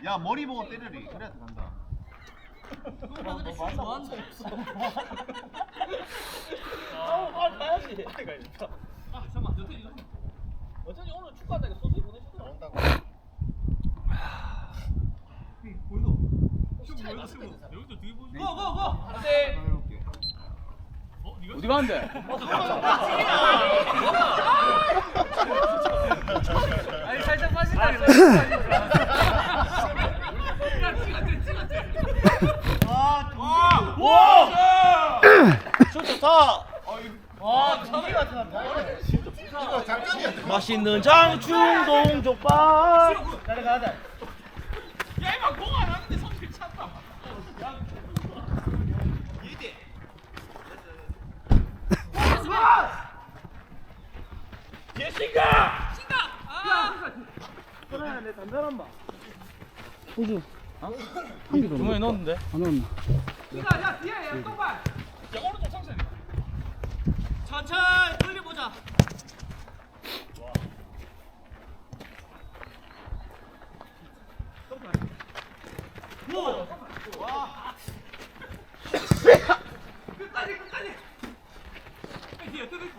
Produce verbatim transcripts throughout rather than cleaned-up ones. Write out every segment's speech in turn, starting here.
야 머리 보고 때리리. 그래야 들어간다. 너 근데 슛 좋아한다. 아, 빨리 가야지. 빨리 가야겠다. 아 잠깐만 너 이거. 어쩐지 오늘 축구한다니까 소속이 보내주더라. 나온다고. 보이도. 슛 보이도 슛. 여기도 되게 보이도. 고 고 고. 안돼. 어디 가는데? 아니 살짝 빠진다 그래. 와! 와! 슛 좋다. 와, 저기 같은 이거 장점이야. 맛있는 장충동 족발. 가자 가자. 야, 이만 공안 하는데 손 괜찮다. 이대. 예신가. 신가. 아. 그래, 내 담배란 마. 호주 한 개 더 주머니에 넣었는데. 안 넣었나? 신가, 야 뒤에 야 똑발. 야 오른쪽 상세. 천천히 돌려 보자. 와. 끝까지 끝까지. 뒤에 뜯을.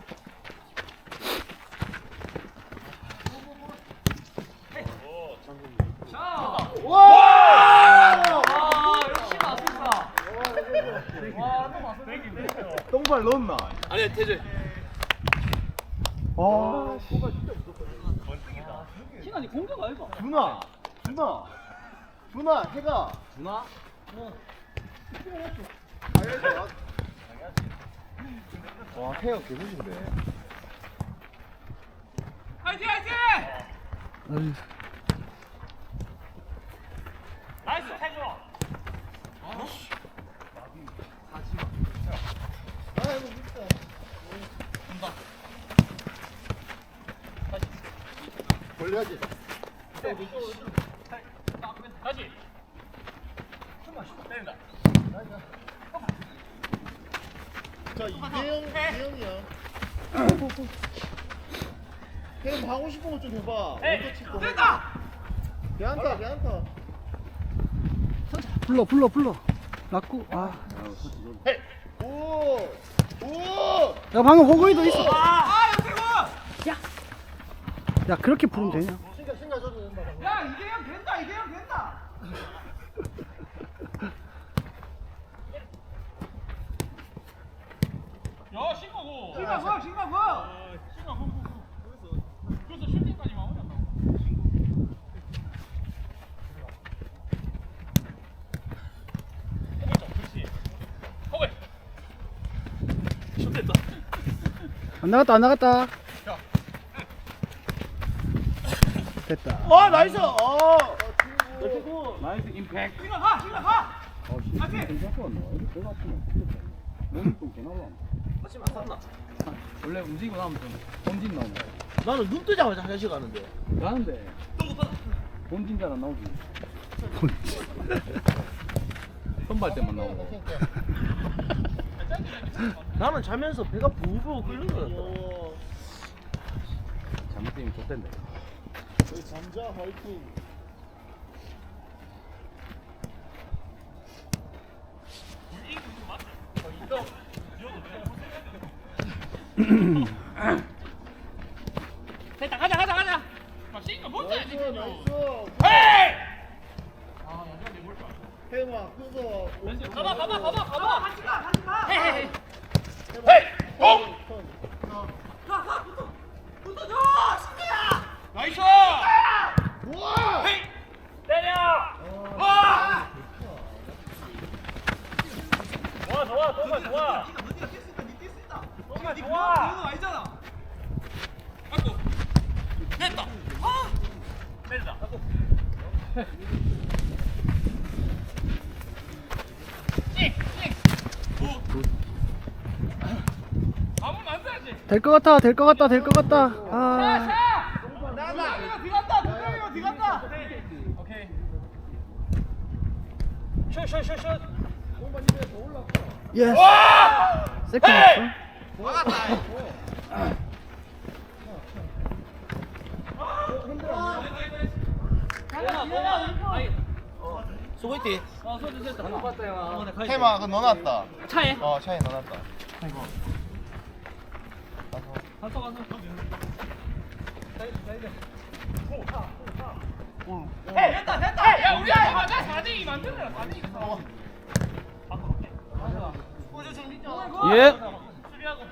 자. 와! 아, 역시 맞습니다. 와, 또 맞습니다. 똥발 넣었나? 아니야, 태재. 아, 신한이 공격 아이가? 준아, 준아, 준아, 해가. 누나? 와, 해가 개구신데. 화이팅 화이팅! 아유, 나이스 태조. 걸려야지. 다시. 때린다. 자, 이대영, 이대영이야. 형 하고 싶은 거 좀 해봐. 먼저 치고. 됐다. 걔한타, 걔한타. 불러 불러 불러. 낙구. 아, 오, 오. 야 방금 호구이도 있어. 아, 역태고. 야 그렇게 부르면 되냐? 신가, 신가 줘도 된다. 야, 이대형 된다. 이대형 된다. 야, 신가고. 신가고, 신가고. 신가고. 그래서 슈팅까지 마무리한다고. 허벨. 슛됐다. 안 나갔다 안 나갔다. 됐다. 와, 나이스. 어. 나이스 임팩트. 신가 가, 신가 가. 아씨, 괜찮고 왔나? 이렇게 배가 아프면 죽겠다. 몸이 좀 개나와. 하지마, 샀나? 원래 움직이고 나면 좀 본진 나온다. 나는 눈 뜨자마자 화장실 가는데. 가는데 본진 잘 안 나오지. 선발 때만 나오고. 나는 자면서 배가 부부부 끓는 거 같더라. 잘못되면 좆된다. 잠자 화이팅. 됐다. 가자, 가자, 가자. 막 신가 못 나이스, 해야지. 나이스. 헤이! 해마, 그거. 가봐, 가봐, 가봐, 가봐. 같이 가, 같이 가. 헤이, 헤이. 어? 가, 가, 붙어. 붙어줘, 신기야. 나이스. 우와! 헤이. 때려. 와. 좋아, 좋아, 좋아, 좋아. 네가 너네가 뛸 수 있다, 니 뛸 수 있다. 네가 네 그거 그거 아니잖아. 아이고. 됐다. 아. 내리다. 아이고. 찌, 찌. 오. 아무 만들어야지. 될 것 같아 될 것 같다 될 것 같다. 아. 샤. 나나. 뒤갔다. 두명이가 뒤갔다. 오케이. 슛슛슛슛. 예스. 와! 세컨 헤이! 했어. 막았다. 수고했지. 어 손 됐다. 안 봤다 형. 테마 그거 넣어놨다. 차에. 어 차에 넣어놨다. 가서 가서. 해 됐다 됐다. 야 우리 아이 맞아 사 대 이 만들어라 사 대 이. 예. 수비하고.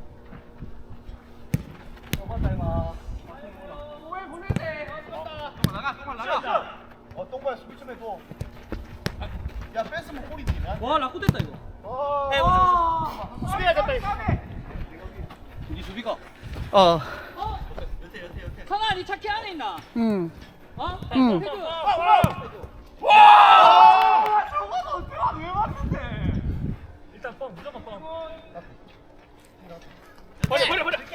어 봤다 이마. 왜 보내대? 나가 똥만 나가. 어 똥발 수비 좀 해줘. 야 뺐으면 골이지. 와 라쿠 됐다 이거. 어. 수비하자 빨리. 이 수비가. 어. 성아 니 차키 안에 있나? 응. 어? 응. 태그. 와! 저거는 어떻게 왜 맞는데? 일단 뻥 무조건 뻥. 버려 버려 버려.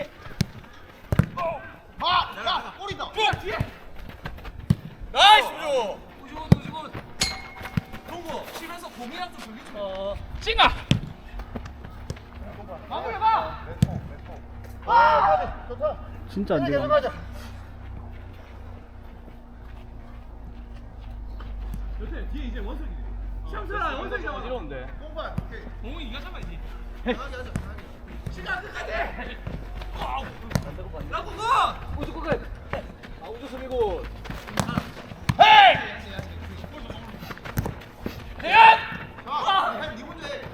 마! 야 골이다. 뒤에. 나이스 조. 오지곤 오지곤. 동구 치면서 공이랑 좀 돌리지. 어. 찡아. 마무리해봐. 아, 좋다. 진짜 안 계속 돼. 가자. 요새 뒤에 이제 원석이. 시험철아 원석이 잡아. 어지러운데. 똥발. 오케이. 공이 이가 잡아야지. 편하게 하자. 편하게. 시간 끝까지. 와우. 라쿠 고. 우주 끝까지. 아 우주 수비고. 헤이. 대현. 자, 형, 니 먼저 해.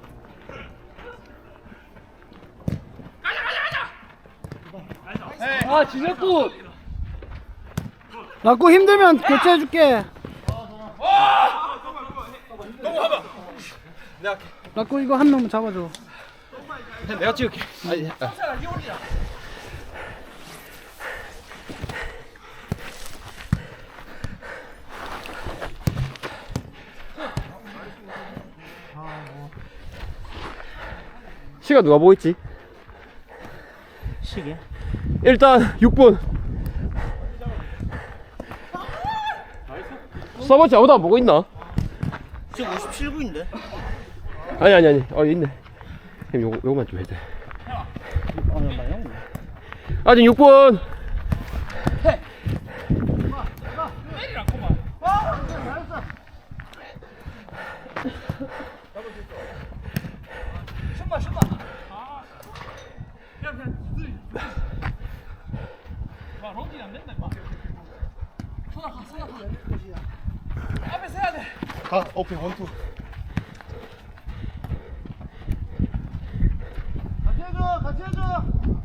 가자 가자 가자. 아 진혁구. 라꾸 힘들면 교체해줄게. 너무 하봐. 라꾸 이거 한 명 잡아줘. 내가 찍을게. 아니, 아. 시험철아 니 올리라. 시간 누가 보고 있지? 시계. 일단 육 분. 서버치 아무도 안 보고 있나? 지금 오십칠 분인데. 아니 아니 아니. 어 있네. 형 요거 요거만 좀 해도 돼. 아 나요? 아직 육 분. 때리라고만. 슛마 슛마. 아. 그냥 그냥 들. 와 런칭 안 된다 임마. 손아 가 손아 가. 앞에 서야 돼. 가. 오케이 원투. 같이 해줘. 같이 해줘.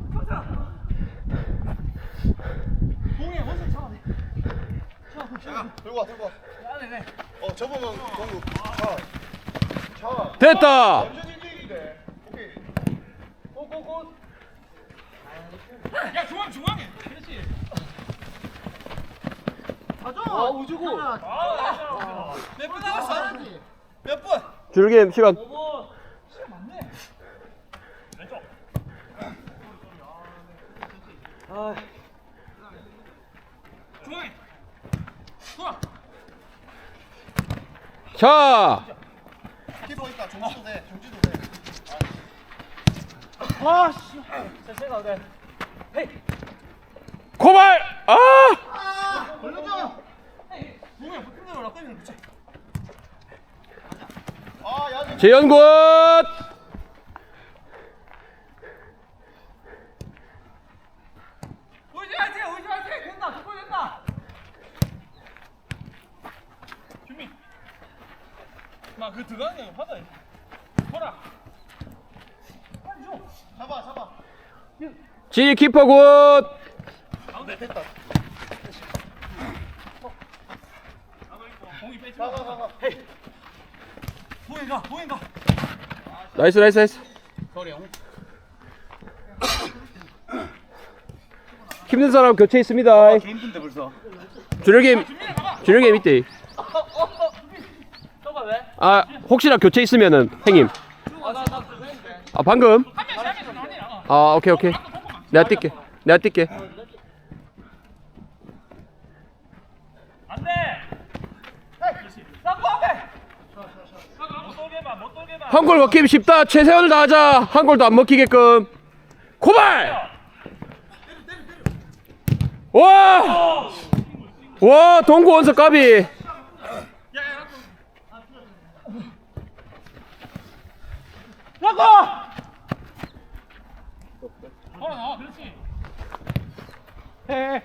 공에 원석 잡아. 야, 들고 와, 들고 와. 안에 네. 어, 접으면 공구. 차. 차. 됐다. 완전 일대일인데. 오케이. 고고고. 야 중앙 중앙에. 그렇지. 가자. 아 우주고. 아 몇 분 남았어? 몇 분? 줄게임 시간. 오. 시간 많네. 왼쪽. 아 중앙에. 돌아. 자. 키퍼 있다. 종지도 돼. 종지도 돼. 아 씨. 자 제가 그래. 헤이. 고발. 아. 아, 걸려줘. 공에 붙은 대로 라떼를 붙여. 아, 야, 재현군. 오지 마세요. 오지 마세요. 된다. 두골 된다. 준비. 나그 들어가는 거 받아. 보라. 빨리 줘. 잡아, 잡아. 지 키퍼 굿. 가운데 됐다. 공이 빼지 가, 마. 가, 가, 가. 보인 가. 보인 가. 나이스 나이스 나이스. 힘든 사람 교체 있습니다. 힘든데 벌써. 준혁이 준혁이 밑에. 너가 왜? 아 혹시나 교체 있으면은 형님. 아나나 그거 했는데. 아 방금. 한 명씩 한 명씩 나오니라. 아 오케이 오케이. 내가 뛸게. 내가 뛸게. 안 돼. 라쿠 앞에. 못 돌게 봐. 못 돌게 봐. 한 골 먹기 쉽다. 최선을 다하자. 한 골도 안 먹히게끔. 고발. 와. 와 동구 원석 까비. 야야 라쿠. 걸어 나와. 그렇지. 해.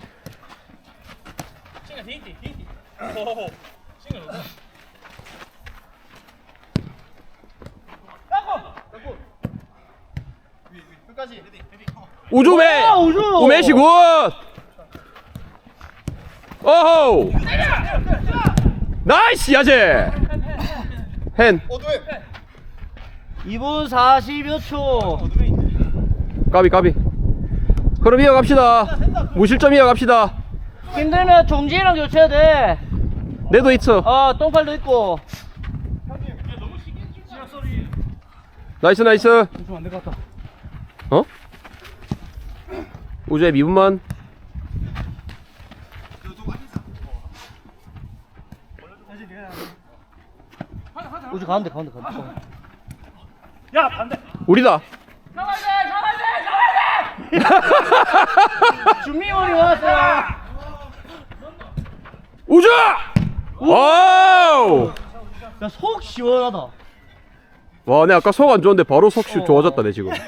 싱글 데이트 데이트. 오. 싱글 넣어. 끝까지. 우주매 아, 우주! 우매시 굿 오호 나이스 야제 hen 어두해. 이 분 사십여 초. 까비 까비 흐름 이어갑시다 무실점 이어갑시다 힘들면 종지랑 교체해야 돼. 내도 있어 어, 똥팔도 있고. 나이스 나이스 좀 안 될 것 같다. 어? 우주의 미분만 우주 가운데, 가운데, 가운데. 야 반대. 우리다 준비물이 왔어. 우주 와우 야, 속 시원하다. 와, 내 아까 속 안 좋은데 바로 속 시- 어. 좋아졌다, 내 지금.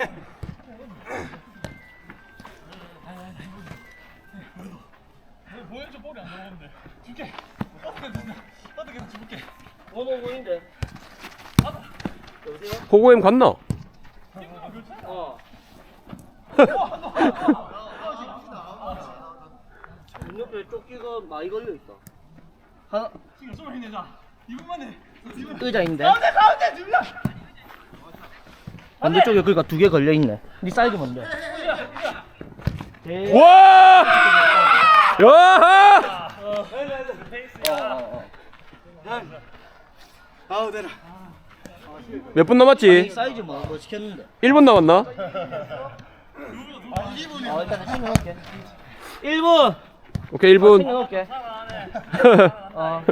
보여줘 볼이 안 들어오는데. 줄게. 어떻게 됐나? 어떻게 됐나 줄게. 원오분인데. 호구엠 갔나? 어. 옆에 조끼가 많이 걸려 있다. 하나 지금 소리 내자. 이분만 해. 의자인데. 가운데 가운데 두 명. 반대쪽에 그러니까 두 개 걸려 있네. 네 사이즈 뭔데? 대- 와! 야! 어, 어, 어. 아우 되나. 몇 분 이 남았지? 사이즈 뭐, 뭐 시켰는데? 일 분 남았나? 어, 일단 챙겨놓을게. 일 분. 오케이, 일 분. 챙겨놓을게. 어.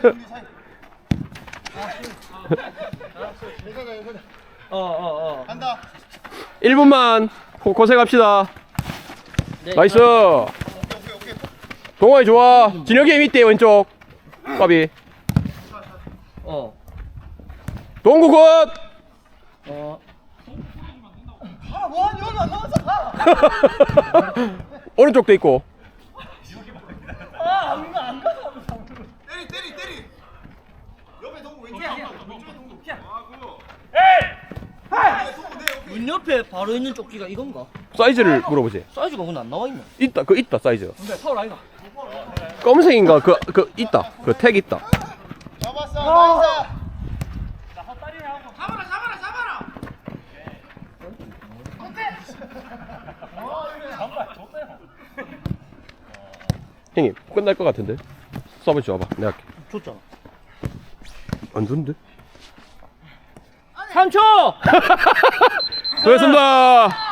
괜찮아 괜찮아. 어, 어, 어. 간다. 일 분만 고, 고생합시다. 네, 나이스. 오케이 오케이. 동아이 좋아. 진혁이 밑에 왼쪽. 까비. 어. 동구 굿. 어. 아뭐 여기 안 나왔어. 가. 오른쪽도 있고. 때리 때리 때리. 옆에 동구 왼쪽. 왼쪽에 동구. 문 옆에 바로 있는 조끼가 이건가? 사이즈를 물어보지. 사이즈가 근데 안 나와 있네. 있다. 그 있다 사이즈. 근데 파울 아이가? 검은색인가? 그 그 있다. 그 택 있다. 잡았어. 나이스. 잡아라 잡아라 잡아라. 형님 끝날 것 같은데. 서브 줘봐. 내가 할게. 줬잖아. 안 좋은데? 삼 초! 수고했습니다.